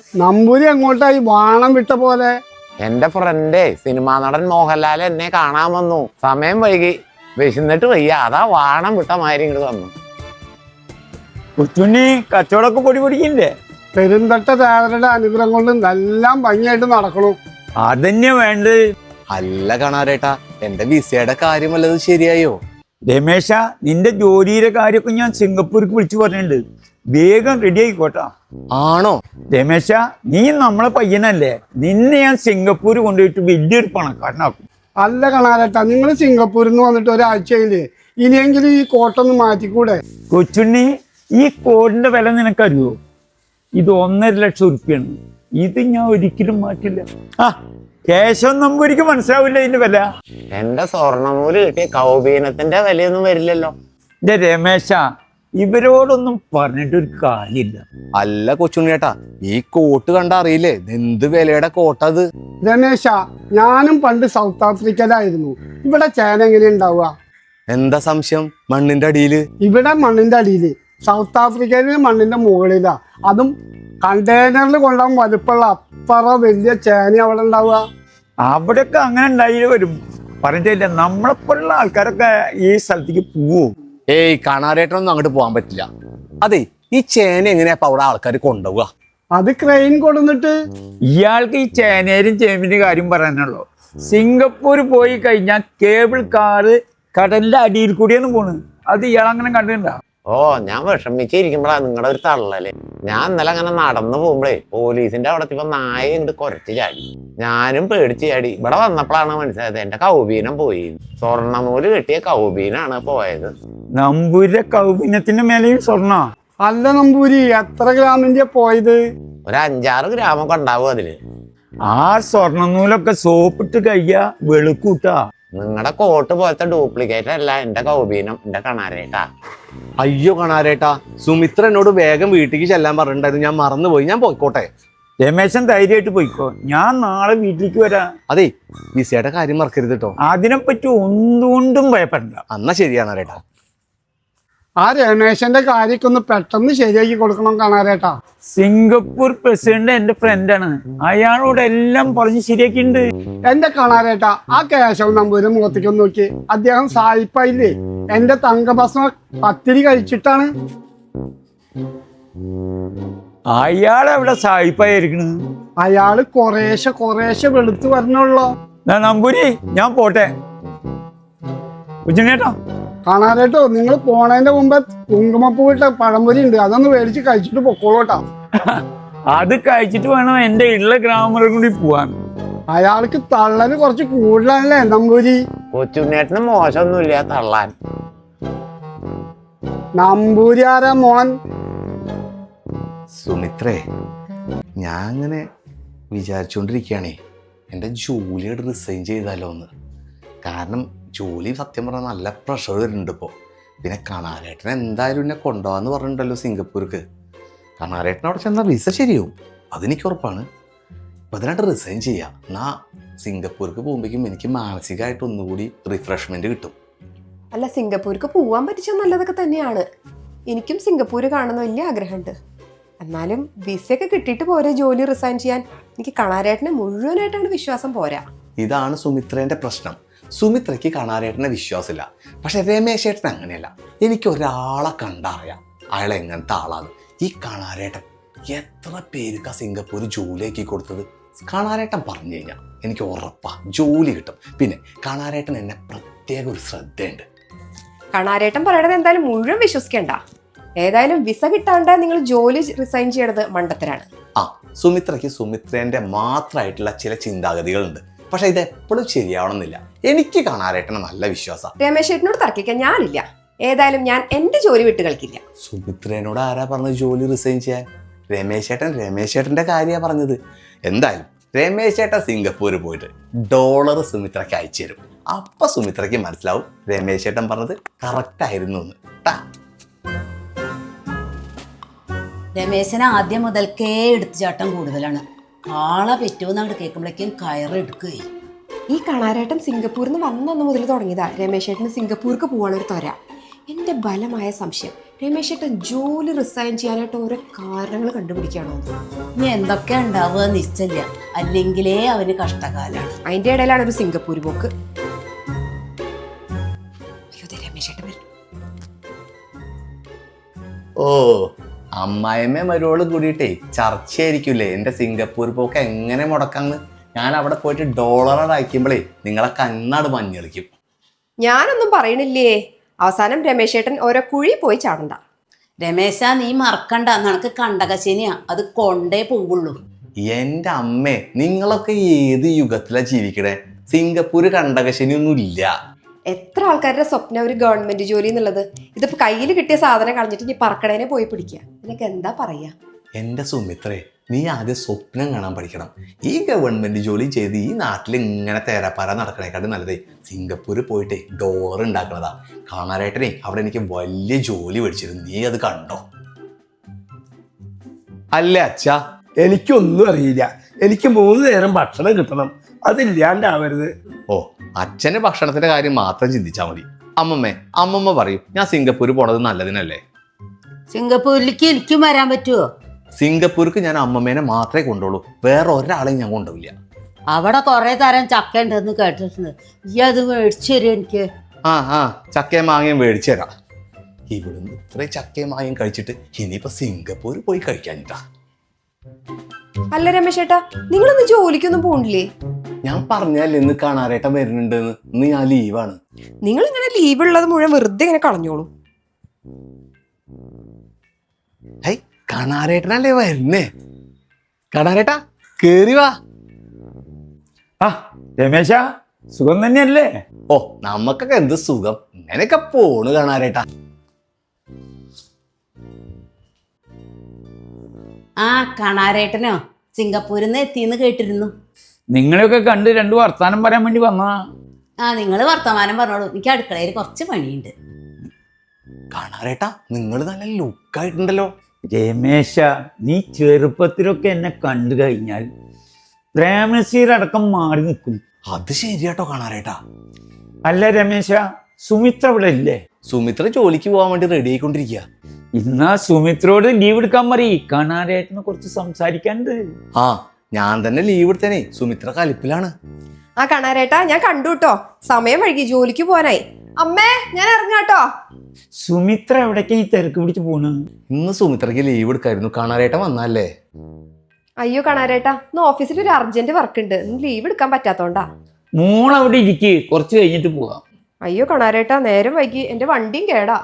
നമ്പൂരി എങ്ങോട്ടായി വാണം വിട്ട പോലെ? എന്റെ ഫ്രണ്ടേ സിനിമാ നടൻ മോഹൻലാൽ എന്നെ കാണാൻ വന്നു. സമയം വൈകി, വിശന്നിട്ട് വയ്യ, അതാ വാണം വിട്ട മാതിരി ഇങ്ങോട്ട് വന്നു. കൊച്ചുണ്ണി കച്ചവടമൊക്കെ പൊടി പൊടിക്കില്ലേ? പെരുന്തട്ട ദേവരുടെ അനുഗ്രഹം കൊണ്ട് നല്ല ഭംഗിയായിട്ട് നടക്കണു. അതന്നെ വേണ്ട. അല്ല കാണാരേട്ടാ, എന്റെ വിസയുടെ കാര്യം വല്ലതും ശരിയായോ? രമേശ, നിന്റെ ജോലിയുടെ കാര്യമൊക്കെ ഞാൻ സിംഗപ്പൂർക്ക് വിളിച്ചു പറഞ്ഞിട്ടുണ്ട്. വേഗം റെഡി ആയിക്കോട്ടാ. ആണോ? രമേശ, നീ നമ്മളെ പയ്യനല്ലേ, നിന്നെ ഞാൻ സിംഗപ്പൂർ കൊണ്ടുപോയിട്ട് വലിയൊരു പണക്കാരനാക്കും. അല്ല കണാരേട്ടാ, നിങ്ങൾ സിംഗപ്പൂരിൽ നിന്ന് വന്നിട്ട് ഒരാഴ്ചയില്, ഇനിയെങ്കിലും ഈ കോട്ടൊന്ന് മാറ്റിക്കൂടെ? കൊച്ചുണ്ണി, ഈ കോടിന്റെ വില നിനക്കറിയോ? ഇത് 1.5 ലക്ഷം ഉറുപ്പിയാണ്. ഇത് ഞാൻ ഒരിക്കലും മാറ്റില്ല. ആ കേശവൻ നമ്പൂരിക്ക് മനസ്സിലാവില്ല ഇതിന്റെ വില. എന്റെ സ്വർണ്ണനൂല് കിട്ടിയ കൗപീനത്തിന്റെ വിലയൊന്നും വരില്ലല്ലോ. എന്റെ രമേശ, ഇവരോടൊന്നും പറഞ്ഞിട്ടൊരു കാര്യമില്ല. അല്ല കൊച്ചുണ്ണിയേട്ടാ, ഈ കോട്ട് കണ്ട അറിയില്ലേ എന്ത് വിലയുടെ കോട്ടത്? രമേശ, ഞാനും പണ്ട് സൗത്ത് ആഫ്രിക്കയിലായിരുന്നു. ഇവിടെ ചേന എങ്ങനെ ഉണ്ടാവുക? എന്താ സംശയം? മണ്ണിന്റെ അടിയില്. ഇവിടെ മണ്ണിന്റെ അടിയില്, സൗത്ത് ആഫ്രിക്കയില് മണ്ണിന്റെ മുകളിലാ. അതും കണ്ടെയ്നറിൽ കൊണ്ടാൻ വലുപ്പമുള്ള അത്ര വലിയ ചേന അവിടെ ഉണ്ടാവുക. അവിടെയൊക്കെ അങ്ങനെ ഉണ്ടായി വരും. പറഞ്ഞിട്ടില്ല, നമ്മളെപ്പോലുള്ള ആൾക്കാരൊക്കെ ഈ സ്ഥലത്തേക്ക് പോവും. ഏയ് കാണാരേട്ടനൊന്നും അങ്ങോട്ട് പോകാൻ പറ്റില്ല. അതെ, ഈ ചേന എങ്ങനെയാ അവിടെ ആൾക്കാർ കൊണ്ടുപോവുക? അത് ക്രെയിൻ കൊടുന്നിട്ട്. ഇയാൾക്ക് ഈ ചേനേരും ചേമ്പിന്റെ കാര്യം പറയാനുള്ളൂ. സിംഗപ്പൂർ പോയി കഴിഞ്ഞാൽ കേബിൾ കാറ് കടലിന്റെ അടിയിൽ കൂടിയാണ് പോണ്. അത് ഇയാൾ അങ്ങനെ കണ്ടിട്ടുണ്ടോ? ഓ, ഞാൻ വിഷമിച്ചിരിക്കുമ്പോഴാ നിങ്ങളുടെ ഒരു തള്ളല്. ഞാൻ ഇന്നലെ അങ്ങനെ നടന്നു പോകുമ്പോഴേ പോലീസിന്റെ അവിടെ ഇപ്പൊ നായ ഇങ്ങോട്ട് കുറച്ച് ചാടി. ഞാനും പേടിച്ച് ചാടി. ഇവിടെ വന്നപ്പോഴാണ് മനസ്സിലായത് എന്റെ കൗബീനം പോയി. സ്വർണ്ണനൂല് കെട്ടിയ കൗബീനാണ് പോയത്. നമ്പൂരിന്റെ കൗബീനത്തിന്റെ മേലെയും സ്വർണ്ണ. അല്ല നമ്പൂരി, എത്ര ഗ്രാമിന്റെ പോയത്? ഒരു 5-6 ഗ്രാമൊക്കെ ഉണ്ടാവും അതില്. ആ സ്വർണ്ണനൂലൊക്കെ സോപ്പിട്ട് കഴിയാ വെളുക്കൂട്ടാ. നിങ്ങളുടെ കോട്ട് പോലത്തെ ഡ്യൂപ്ലിക്കേറ്റ് അല്ല എന്റെ കൗബീനം, എന്റെ കണാരേട്ടാ. അയ്യോ കാണാരേട്ടാ, സുമിത്ര എന്നോട് വേഗം വീട്ടിലേക്ക് ചെല്ലാൻ പറഞ്ഞിട്ടുണ്ടായിരുന്നു. ഞാൻ മറന്നുപോയി. ഞാൻ പോയിക്കോട്ടെ? രമേശൻ ധൈര്യമായിട്ട് പോയിക്കോ, ഞാൻ നാളെ വീട്ടിലേക്ക് വരാം. അതെ, വിസയുടെ കാര്യം മറക്കരുത് കേട്ടോ. അതിനെപ്പറ്റി ഒന്നുകൊണ്ടും ഭയപ്പെടണ്ട. എന്നാ ശരിയാണ് രേട്ടാ. ആ രമേശന്റെ കാര്യമൊക്കെ ഒന്ന് പെട്ടെന്ന് ശരിയാക്കി കൊടുക്കണം കാണാരേട്ടാ. സിംഗപ്പൂർ പ്രസിഡന്റ് എന്റെ ഫ്രണ്ടാണ്. അയാളോട് എല്ലാം പറഞ്ഞ് ശരിയാക്കിണ്ട്. എന്റെ കാണാരേട്ടാ, ആ കേശവൻ നമ്പൂരി മുഖത്തേക്ക് ഒന്ന് നോക്കി. അദ്ദേഹം സായിപ്പായില്ലേ? എന്റെ തങ്കഭസ്മ പത്തിരി കഴിച്ചിട്ടാണ്. അയാൾ എവിടെ സായിപ്പായിരിക്കണ്? അയാള് കുറേശ്ശെ വെളുത്ത് വരണുള്ളോ. നമ്പൂരി, ഞാൻ പോട്ടെ. ഉച്ചനേട്ടാ, കാണാരേട്ടോ, നിങ്ങൾ പോണതിന്റെ മുമ്പ് കുങ്കുമപ്പൂവിട്ട പഴംപൊരി ഉണ്ട്, അതൊന്ന് മേടിച്ച് കഴിച്ചിട്ട് പൊക്കോളൂട്ടാ. അത് കഴിച്ചിട്ട് വേണം എന്റെ ഉള്ള ഗ്രാമറിൽ കൂടി പോവാൻ. അയാൾക്ക് തള്ളന് കുറച്ച് കൂടുതലല്ലേ നമ്പൂരി? കൊച്ചുണ്ണേട്ടന് മോശമൊന്നുമില്ല തള്ളാൻ. നമ്പൂരി ആരാ മോൻ? സുമിത്രേ, ഞാൻ അങ്ങനെ വിചാരിച്ചുകൊണ്ടിരിക്കുകയാണേ എൻ്റെ ജോലിയോട് റിസൈൻ ചെയ്താലോ എന്ന്. കാരണം ജോലി സത്യം പറഞ്ഞാൽ നല്ല പ്രഷർ വരുന്നുണ്ട് ഇപ്പോൾ. പിന്നെ കണാരേട്ടൻ എന്തായാലും എന്നെ കൊണ്ടുപോകാന്ന് പറഞ്ഞിട്ടുണ്ടല്ലോ സിംഗപ്പൂർക്ക്. കണാരേട്ടൻ അവിടെ ചെന്നാൽ വിസ ശരിയാവും, അതെനിക്ക് ഉറപ്പാണ്. അപ്പം അതിനായിട്ട് റിസൈൻ ചെയ്യാം. എന്നാൽ സിംഗപ്പൂർക്ക് പോകുമ്പോഴേക്കും എനിക്ക് മാനസികമായിട്ട് ഒന്നുകൂടി റിഫ്രഷ്മെൻറ്റ് കിട്ടും. അല്ല, സിംഗപ്പൂർക്ക് പോവാൻ പറ്റിച്ചാൽ നല്ലതൊക്കെ തന്നെയാണ്. എനിക്കും സിംഗപ്പൂര് കാണുന്ന വലിയ ആഗ്രഹമുണ്ട്. എന്നാലും വിസയൊക്കെ കിട്ടിയിട്ട് പോരെ ജോലി റിസൈൻ ചെയ്യാൻ? എനിക്ക് കണാരേട്ടനെ മുഴുവനായിട്ടാണ് വിശ്വാസം പോരാ. ഇതാണ് സുമിത്രേൻ്റെ പ്രശ്നം. സുമിത്രയ്ക്ക് കണാരേട്ടനെ വിശ്വാസമില്ല. പക്ഷെ രമേശേട്ടൻ അങ്ങനെയല്ല. എനിക്ക് ഒരാളെ കണ്ടറിയാം അയാൾ എങ്ങനത്തെ ആളാണ്. ഈ കണാരേട്ടൻ എത്ര പേർക്ക് സിംഗപ്പൂർ ജോലിയാക്കി കൊടുത്തത്. കണാരേട്ടൻ പറഞ്ഞു കഴിഞ്ഞാൽ എനിക്ക് ഉറപ്പാ ജോലി കിട്ടും. പിന്നെ കണാരേട്ടൻ എന്നെ പ്രത്യേക ഒരു ശ്രദ്ധയുണ്ട്. കണാരേട്ടൻ പറയണത് എന്തായാലും മുഴുവൻ വിശ്വസിക്കണ്ട. ഏതായാലും വിസ കിട്ടാണ്ട് നിങ്ങൾ ജോലി റിസൈൻ ചെയ്യണത് മണ്ടത്തരാണ്. ആ, സുമിത്രയ്ക്ക് സുമിത്രേൻ്റെ മാത്രമായിട്ടുള്ള ചില ചിന്താഗതികളുണ്ട്. പക്ഷെ ഇത് എപ്പോഴും ശരിയാവണമെന്നില്ല. എനിക്ക് കണാരേട്ടനെ നല്ല വിശ്വാസം. രമേശേട്ടനോട് തർക്കിക്കാൻ ഞാനില്ല. ഏതായാലും ഞാൻ എന്റെ ജോലി വിട്ട് കളിക്കില്ല. സുമിത്രേനോട് ആരാ പറഞ്ഞത് ജോലി റിസൈൻ ചെയ്യാൻ? രമേശേട്ടൻ്റെ കാര്യമാണ് പറഞ്ഞത്. എന്തായാലും രമേശേട്ടൻ സിംഗപ്പൂർ പോയിട്ട് ഡോളർ സുമിത്രയ്ക്ക് അയച്ചു തരും. അപ്പൊ സുമിത്രയ്ക്ക് മനസ്സിലാവും രമേശേട്ടൻ പറഞ്ഞത് കറക്റ്റ് ആയിരുന്നു എന്ന്. രമേശന് ആദ്യം മുതൽക്കേ എടുത്തുചാട്ടം കൂടുതലാണ്. ആളെ പറ്റുമെന്ന് അങ്ങോട്ട് കേൾക്കുമ്പോഴേക്കും കയറെടുക്കുകയും. ഈ കണാരേട്ടൻ സിംഗപ്പൂരിൽ നിന്ന് വന്നന്ന് മുതൽ തുടങ്ങിയതാ രമേശേട്ടന് സിംഗപ്പൂർക്ക് പോകാനൊരു തൊര. എൻ്റെ ബലമായ സംശയം രമേശ് ഏട്ടൻ ജോലി റിസൈൻ ചെയ്യാനായിട്ട് ഓരോ കാരണങ്ങൾ കണ്ടുപിടിക്കുകയാണോ? ഇനി എന്തൊക്കെ ഉണ്ടാവുക നിശ്ചയില്ല, അല്ലെങ്കിലേ അവന് കഷ്ടകാലാണ്. അതിന്റെ ഇടയിലാണ് ഒരു സിംഗപ്പൂർ പോക്ക്. അയ്യോ, ദേ രമേശ് ഏട്ടൻ വരുന്നു. ഓ, അമ്മായിമ്മ മരുവോള് കൂടിയിട്ടേ ചർച്ചയായിരിക്കൂലേ എന്റെ സിംഗപ്പൂർ പോക്ക് എങ്ങനെ മുടക്കാന്ന്. ഞാൻ അവിടെ പോയിട്ട് ഡോളർ അയക്കുമ്പോഴേ നിങ്ങളെ കണ്ണാട് മഞ്ഞളിക്കും. ഞാനൊന്നും പറയണില്ലേ. അവസാനം രമേശ് ഏട്ടൻ ഓരോ കുഴി പോയി ചാടണ്ട. രമേശ, നീ മറക്കണ്ട, നിനക്ക് കണ്ടകശനിയാ, അത് കൊണ്ടേ പോവുള്ളൂ. എന്റെ അമ്മേ, നിങ്ങളൊക്കെ ഏത് യുഗത്തിലാ ജീവിക്കണേ? സിംഗപ്പൂര് കണ്ടകശനിയൊന്നും ഇല്ല. എത്ര ആൾക്കാരുടെ സ്വപ്നം ഒരു ഗവൺമെന്റ് ജോലി എന്നുള്ളത്. ഇതിപ്പോ കയ്യിൽ കിട്ടിയ സാധനം കളഞ്ഞിട്ട് ഇനി പറക്കടേനെ പോയി പിടിക്കുക. നിനക്ക് എന്താ പറയാ? എന്റെ സുമിത്രേ, നീ ആദ്യം സ്വപ്നം കാണാൻ പഠിക്കണം. ഈ ഗവൺമെന്റ് ജോലി ചെയ്ത് ഈ നാട്ടിൽ ഇങ്ങനെ തേരാപ്പാര നടക്കണേക്കാട്ടും നല്ലതേ സിംഗപ്പൂര് പോയിട്ടേ ഡോളർ ഉണ്ടാക്കണതാ. കാണാനായിട്ടേ അവിടെ എനിക്ക് വലിയ ജോലി മേടിച്ചിരുന്നു. നീ അത് കണ്ടോ? അല്ല അച്ഛാ, എനിക്കൊന്നും അറിയില്ല. എനിക്ക് 3 നേരം ഭക്ഷണം കിട്ടണം, അതില്ലാണ്ടാവരുത്. ഓ, അച്ഛന് ഭക്ഷണത്തിന്റെ കാര്യം മാത്രം ചിന്തിച്ചാൽ മതി. അമ്മമ്മ പറയും ഞാൻ സിംഗപ്പൂര് പോണത് നല്ലതിനല്ലേ. സിംഗപ്പൂരിലേക്ക് എനിക്കും വരാൻ പറ്റുമോ? സിംഗപ്പൂർക്ക് ഞാൻ അമ്മമ്മേനെ മാത്രമേ കൊണ്ടുള്ളൂ, വേറെ ഒരാളെയും ഞാൻ കൊണ്ടുപോയില്ല. അവിടെ കുറെ തരം ചക്ക ഉണ്ടെന്ന് കേട്ടിട്ടുണ്ട്. ഈ അത് മേടിച്ചു തരും എനിക്ക്. ആ ചക്കയും മാങ്ങയും മേടിച്ചു തരാം. ഇവിടുന്ന് ഇത്രയും ചക്കയും മാങ്ങയും കഴിച്ചിട്ട് ഇനിയിപ്പോ സിംഗപ്പൂർ പോയി കഴിക്കാനിട്ടാ. അല്ല രമേശ് ഏട്ടാ, നിങ്ങളൊന്ന് ജോലിക്കൊന്നും പോണില്ലേ? ഞാൻ പറഞ്ഞല്ലേ ഇന്ന് കാണാരേട്ടൻ വരുന്നുണ്ടെന്ന്. ഇന്ന് ഞാൻ ലീവാണ്. നിങ്ങൾ ഇങ്ങനെ ലീവ് ഉള്ളത് മുഴുവൻ വെറുതെ ഇങ്ങനെ കളഞ്ഞോളൂ. ഹൈ, കാണാരേട്ടനല്ലേ വരുന്നേ? കാണാരേട്ടാ, കേറി വാ. ആ രമേശ, സുഖം തന്നെയല്ലേ? ഓ, നമുക്കൊക്കെ എന്ത് സുഖം, ഇങ്ങനെയൊക്കെ പോണ് കാണാരേട്ടാ. ആ കാണാരേട്ടനോ സിംഗപ്പൂരിൽ നിന്ന് എത്തിയെന്ന് കേട്ടിരുന്നു. നിങ്ങളെയൊക്കെ കണ്ട് 2 വർത്താനം പറയാൻ വേണ്ടി വന്നാ. ആ, നിങ്ങൾ വർത്തമാനം പറഞ്ഞോളൂ, എനിക്ക് അടുക്കളയിൽ കുറച്ച് പണിയുണ്ട്. കാണാരേട്ടാ, നിങ്ങൾ നല്ല ലുക്കായിട്ടുണ്ടല്ലോ. രമേശ, നീ ചെറുപ്പത്തിലൊക്കെ എന്നെ കണ്ടു കഴിഞ്ഞാൽ പ്രേമനസീരടക്കം മാറി നിൽക്കും. അത് ശരിയാട്ടോ കാണാരേട്ടാ. അല്ല രമേശ, സുമിത്ര ഇവിടെ ഇല്ലേ? സുമിത്ര ജോലിക്ക് പോകാൻ വേണ്ടി റെഡി ആയിക്കൊണ്ടിരിക്കുക. ഇന്നാ സുമിത്രോട് ലീവ് എടുക്കാൻ പറയും, കാണാരേട്ടനെ കുറിച്ച് സംസാരിക്കാനുണ്ട്. ആ, ഞാൻ തന്നെ ലീവ് എടുത്തേനെ. സുമിത്ര കലിപ്പിലാണ്. ആ കാണാരേട്ടാ, ഞാൻ കണ്ടു കേട്ടോ. സമയം വൈകി, ജോലിക്ക് പോവാനായി. അമ്മേ, ഞാൻ ഇറങ്ങാട്ടോ. സുമിത്ര എവിടേക്കാ ഈ തിരക്ക് പിടിച്ച് പോണ്? ഇന്ന് സുമിത്രയ്ക്ക് ലീവ് എടുക്കായിരുന്നു. കാണാരേട്ടൻ വന്നല്ലേ? അയ്യോ കാണാരേട്ടാ, ഇന്ന് ഓഫീസിൽ ഒരു അർജന്റ് വർക്ക് ഉണ്ട്, ഇന്ന് ലീവ് എടുക്കാൻ പറ്റാത്തോണ്ടാ. മോളവിടെ ഇരിക്ക്, കുറച്ച് കഴിഞ്ഞിട്ട് പോവാം. അയ്യോ കാണാരേട്ടാ, നേരം വൈകി, എന്റെ വണ്ടിയും കേടാ.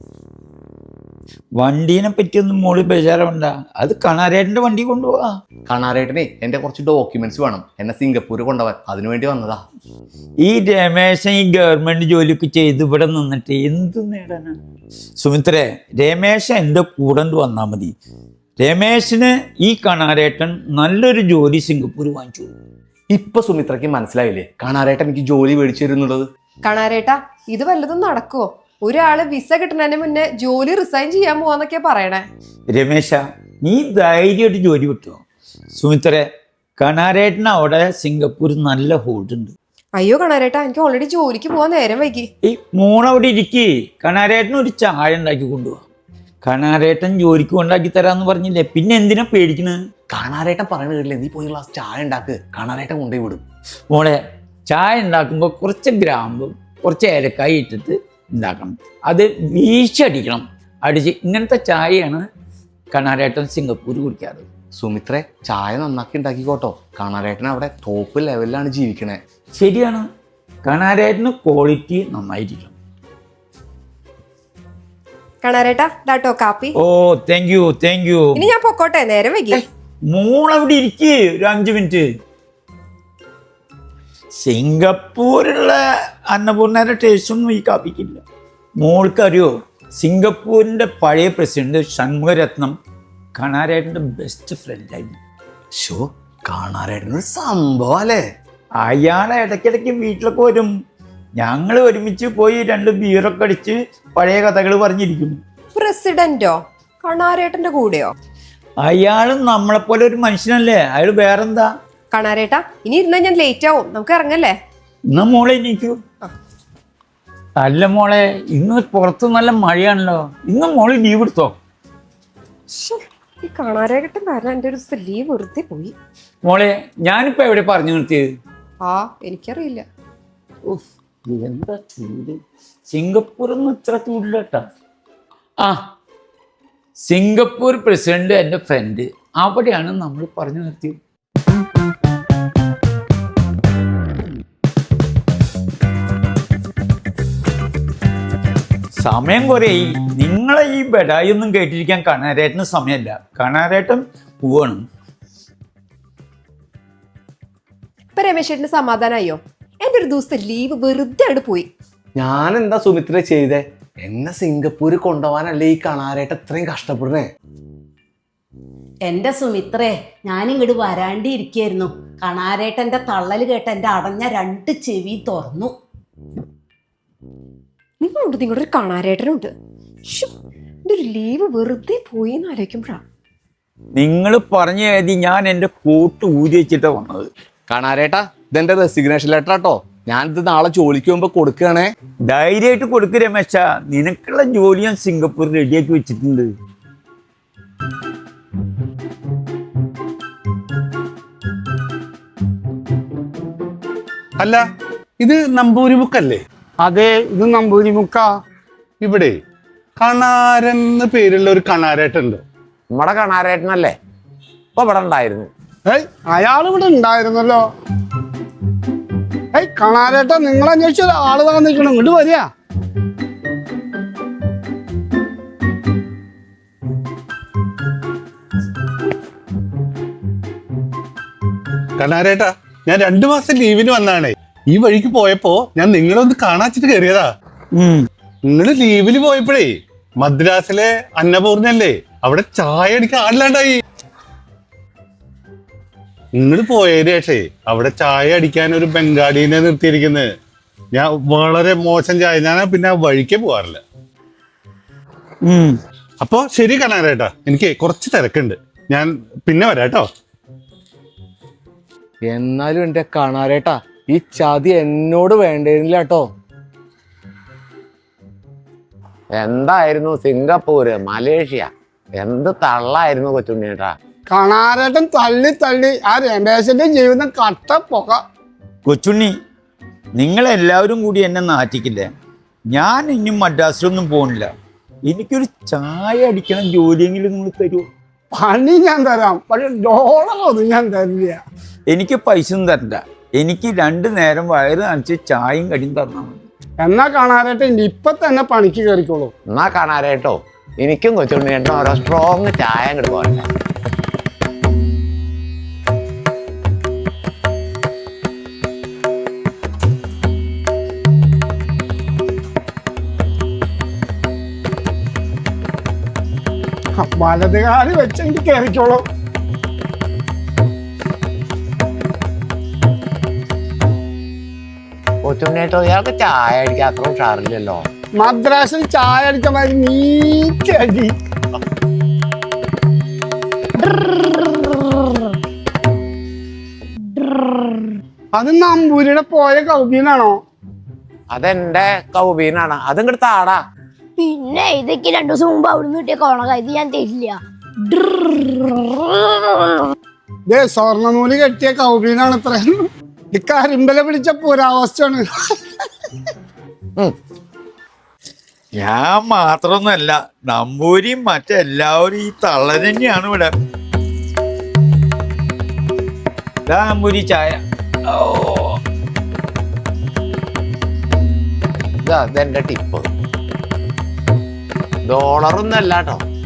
വണ്ടീനെ പറ്റിയൊന്നും മോള് ബേജാറാവണ്ട, അത് കാണാരേട്ടന്റെ വണ്ടി കൊണ്ടുപോവാ. കാണാരേട്ടനെ എന്റെ കുറച്ച് ഡോക്യുമെന്റ്സ് വേണം, എന്നെ സിംഗപ്പൂർ കൊണ്ടുപോകാൻ. അതിനുവേണ്ടി വന്നതാ. ഈ രമേശൻ ഈ ഗവൺമെന്റ് ജോലിയൊക്കെ ചെയ്ത് ഇവിടെ നിന്നിട്ട് എന്ത് നേടാനാ? സുമിത്രേ, രമേശൻ എൻ്റെ കൂടെ വന്നാ മതി. രമേശന് ഈ കാണാരേട്ടൻ നല്ലൊരു ജോലി സിംഗപ്പൂർ വാങ്ങിച്ചു. ഇപ്പൊ സുമിത്രയ്ക്ക് മനസ്സിലായില്ലേ കാണാരേട്ടൻ എനിക്ക് ജോലി മേടിച്ചു തരുന്നുള്ളത്? കാണാരേട്ടാ, ഇത് വല്ലതും നടക്കുവോ? ഒരാള് വിസ കിട്ടുന്നതിന് മുന്നേ ജോലി റിസൈൻ ചെയ്യാൻ പോവാന്നൊക്കെയാ പറയണേ. രമേശ, നീ ധൈര്യമായിട്ട് ജോലി കിട്ടുമോ? സുമിത്രേ, കാണാരേട്ടന് അവിടെ സിംഗപ്പൂർ നല്ല ഹോൾഡ് ഉണ്ട്. അയ്യോ കാണാരേട്ടാ, എനിക്ക് ഓൾറെഡി ജോലിക്ക് പോവാൻ നേരം വൈകി. ഈ മോളവിടെ ഇരിക്കേ, കാണാരേട്ടന് ഒരു ചായ ഉണ്ടാക്കി കൊണ്ടുപോവാ. കാണാരേട്ടൻ ജോലിക്ക് ഉണ്ടാക്കി തരാന്ന് പറഞ്ഞില്ലേ, പിന്നെ എന്തിനാ പേടിക്കണത്? കാണാരേട്ടൻ പറയണ കേട്ടില്ലേ, നീ പോയി ഗ്ലാസ് ചായ ഉണ്ടാക്ക്, കാണാരേട്ടൻ കൊണ്ടുപോയി വിടും. മോളെ, ചായ ഉണ്ടാക്കുമ്പോൾ കുറച്ച് ഗ്രാമ്പും കുറച്ച് ഏലക്കായി ഇട്ടിട്ട് ഉണ്ടാക്കണം. അത് വീശടിക്കണം. അടിച്ച് ഇങ്ങനത്തെ ചായയാണ് കാണാരേട്ടൻ സിംഗപ്പൂർ കുടിക്കാറ്. സുമിത്രേ, ചായ നന്നാക്കി ഉണ്ടാക്കിക്കോട്ടോ. കാണാരേട്ടൻ അവിടെ ടോപ്പ് ലെവലിലാണ് ജീവിക്കണേ. ശരിയാണ്, കാണാരേട്ടന് ക്വാളിറ്റി നന്നായിരിക്കണം. കാണാരേട്ടാ, ഇതാട്ടോ കാപ്പി. Oh, thank you. ഇനി ഞാൻ പൊക്കോട്ടെ, നേരം വൈകി. മോളവിടെ ഇരിക്കേ, ഒരു 5 മിനിറ്റ്. സിംഗപ്പൂരുള്ള അന്നപൂർണയുടെ ടേസ്റ്റൊന്നും ഈ കാപ്പിക്കില്ല. മോൾക്കറിയോ, സിംഗപ്പൂരിൻ്റെ പഴയ പ്രസിഡന്റ് ഷൺമുഖരത്നം കാണാരേട്ടൻ്റെ ബെസ്റ്റ് ഫ്രണ്ടായിരുന്നു. ഷോ, കാണാരേട്ടനൊരു സംഭവം അല്ലേ? അയാളെ ഇടയ്ക്കിടയ്ക്ക് വീട്ടിലൊക്കെ വരും. ഞങ്ങൾ ഒരുമിച്ച് പോയി 2 ബീറൊക്കെ അടിച്ച് പഴയ കഥകൾ പറഞ്ഞിരിക്കും. പ്രസിഡന്റോ? കാണാരേട്ടന്റെ കൂടെയോ? അയാളും നമ്മളെപ്പോലെ ഒരു മനുഷ്യനല്ലേ, അയാൾ വേറെന്താ. കാണാരേട്ടാ, ഇനി ഇരുന്നാൽ ഞാൻ ലേറ്റ് ആവും, നമുക്ക് ഇറങ്ങല്ലേ? എന്നാ മോളെ എനിക്കൂ. അല്ല മോളെ, ഇന്ന് പുറത്ത് നല്ല മഴയാണല്ലോ. ഇന്ന് മോള് ലീവ് എടുത്തോ? ഈ കാണാരേട്ടൻ കാരണം എൻ്റെ ഒരു ദിവസത്തെ ലീവ് വെറുതെ പോയി. മോളെ, ഞാനിപ്പോ എവിടെ പറഞ്ഞു നിർത്തിയത്? ആ എനിക്കറിയില്ല. ഉഫ്, എന്താ ചൂട്! സിംഗപ്പൂരൊന്നും ഇത്ര ചൂടില്ല കേട്ടാ. ആ, സിംഗപ്പൂർ പ്രസിഡന്റ് എൻ്റെ ഫ്രണ്ട്, അവിടെയാണ് നമ്മൾ പറഞ്ഞു നിർത്തിയത്. സമയം കുറേയായി. നിങ്ങളെ ഈ ബെഡായി ഒന്നും കേട്ടിരിക്കാൻ കണാരേട്ടന് സമയമല്ല. കണാരേട്ടൻ പോവാണ്. ഇപ്പൊ രമേശേട്ടന് സമാധാനമായോ? എൻ്റെ ഒരു ദിവസത്തെ ലീവ് വെറുതെ അവിടെ പോയി. ഞാൻ എന്താ സുമിത്ര ചെയ്തേ? എന്നെ സിംഗപ്പൂര് കൊണ്ടുപോകാനല്ലേ ഈ കണാരേട്ട ഇത്രയും കഷ്ടപ്പെടുന്നേ? എന്റെ സുമിത്രേ, ഞാനിങ്ങോട്ട് വരാണ്ടിരിക്കായിരുന്നു. കണാരേട്ടന്റെ തള്ളല് കേട്ട് എന്റെ അടഞ്ഞ 2 ചെവി തുറന്നു. നിങ്ങളുടെ ഒരു കാണാരേട്ടനുണ്ട്. എൻ്റെ ഒരു ലീവ് വെറുതെ പോയി എന്ന് ആലോചിക്കുമ്പോഴാണ്. നിങ്ങൾ പറഞ്ഞു കരുതി ഞാൻ എൻ്റെ കോട്ട് ഊരി വെച്ചിട്ടാണ് വന്നത്. കണാരേട്ടാ, ഇതെന്റെ റെസിഗ്നേഷൻ ലെറ്റർ ആട്ടോ. ഞാനിത് നാളെ ജോലിക്ക് പോകുമ്പോ കൊടുക്കുകയാണേ. ധൈര്യമായിട്ട് കൊടുക്ക് രമേശ. നിനക്കുള്ള ജോലി ഞാൻ സിംഗപ്പൂർ റെഡിയാക്കി വെച്ചിട്ടുണ്ട്. അല്ല, ഇത് നമ്പൂരി ബുക്കല്ലേ? അതെ, ഇത് നമ്പൂരി മുക്ക. ഇവിടെ കണാരൻ എന്ന് പേരുള്ള ഒരു കണാരേട്ടുണ്ട്. നമ്മുടെ കണാരേട്ടനല്ലേ ഇപ്പൊ ഇവിടെ ഉണ്ടായിരുന്നു? ഏയ്, അയാൾ ഇവിടെ ഉണ്ടായിരുന്നല്ലോ. ഏയ് കാണാരേട്ടാ, നിങ്ങൾ അന്വേഷിച്ച ഒരാള് താന്നിക്കണം, ഇങ്ങോട്ട് വരിക. കണാരേട്ടാ, ഞാൻ 2 മാസം ലീവിന് വന്നാണേ. ഈ വഴിക്ക് പോയപ്പോ ഞാൻ നിങ്ങളെ ഒന്ന് കാണാച്ചിട്ട് കയറിയതാ. നിങ്ങള് ലീവിന് പോയപ്പോഴേ മദ്രാസിലെ അന്നപൂർണല്ലേ, അവിടെ ചായ അടിക്കാൻ ആളില്ലാണ്ടായി. നിങ്ങൾ പോയതിന് ശേഷേ അവിടെ ചായ അടിക്കാൻ ഒരു ബംഗാളിനെ നിർത്തിയിരിക്കുന്നത്. ഞാൻ വളരെ മോശം ചായ, ഞാൻ പിന്നെ വഴിക്ക് പോവാറില്ല. അപ്പൊ ശരി കണാരേട്ടാ, എനിക്ക് കുറച്ച് തിരക്കുണ്ട്, ഞാൻ പിന്നെ വരാട്ടോ. എന്നാലും എന്റെ കണാരേട്ടാ, ഈ ചതി എന്നോട് വേണ്ടിയിരുന്നില്ല കേട്ടോ. എന്തായിരുന്നു സിംഗപ്പൂര്, മലേഷ്യ, എന്ത് തള്ളായിരുന്നു കൊച്ചുണ്ണിയേട്ടാ. കാണാരേട്ടൻ തള്ളി തള്ളി ആ രമേശന്റെ ജീവിതം കട്ട പുക. കൊച്ചുണ്ണി, നിങ്ങളെല്ലാവരും കൂടി എന്നെ നാറ്റിക്കില്ലേ? ഞാൻ ഇനി മദ്രാസിലൊന്നും പോകുന്നില്ല. എനിക്കൊരു ചായ അടിക്കണം ജോലിയെങ്കിലും നിങ്ങൾ തരുമോ? പണി ഞാൻ തരാം, പക്ഷെ ഡോളറൊന്നും ഞാൻ തരില്ല. എനിക്ക് പൈസ ഒന്നും തരണ്ട. എനിക്ക് 2 നേരം വയറ് നനച്ച് ചായയും കടിയും തന്നാൽ മതി. എന്നാ കാണാരേട്ടൻ ഇപ്പൊ തന്നെ പണിക്ക് കയറിക്കോളൂ. എന്നാ കണാരേട്ടോ, എനിക്കും കൊച്ചുണ്ണിയേട്ടനും ഓരോ സ്ട്രോങ് ചായ അങ്ങോട്ട് പോകണ്ടേ. വലതുകാലി വെച്ചെങ്കിൽ കയറിക്കോളൂ. കൊച്ചുണ്ണിയേട്ടോ, ഇയാൾക്ക് ചായ അടിക്കാൻ അത്ര ഉഷാറില്ലല്ലോ. മദ്രാസിൽ ചായ അടിച്ച മാതിരി നീറ്റടി. അത് നമ്പൂരിയുടെ പോയ കൗബീനാണോ? അതെന്റെ കൗബീനാണ്, അതിങ്ങോട്ട് താടാ. പിന്നെ ഇതൊക്കെ 2 ദിവസം മുമ്പ് അവിടുന്ന് കിട്ടിയ കോണക, ഇത് ഞാൻ തരില്ല. സ്വർണ്ണനൂല് കെട്ടിയ കൗബീനാണ് ഇത്ര. ഈ കരിമ്പല പിടിച്ച പുരാവസ്ഥയാണ്. ഞാൻ മാത്രമൊന്നുമല്ല, നമ്പൂരിയും മറ്റെല്ലാവരും ഈ തള്ള തന്നെയാണ് ഇവിടെ. നമ്പൂരി ചായ. ഇതെന്റെ ടിപ്പ്. ഡോളറൊന്നും അല്ല കേട്ടോ,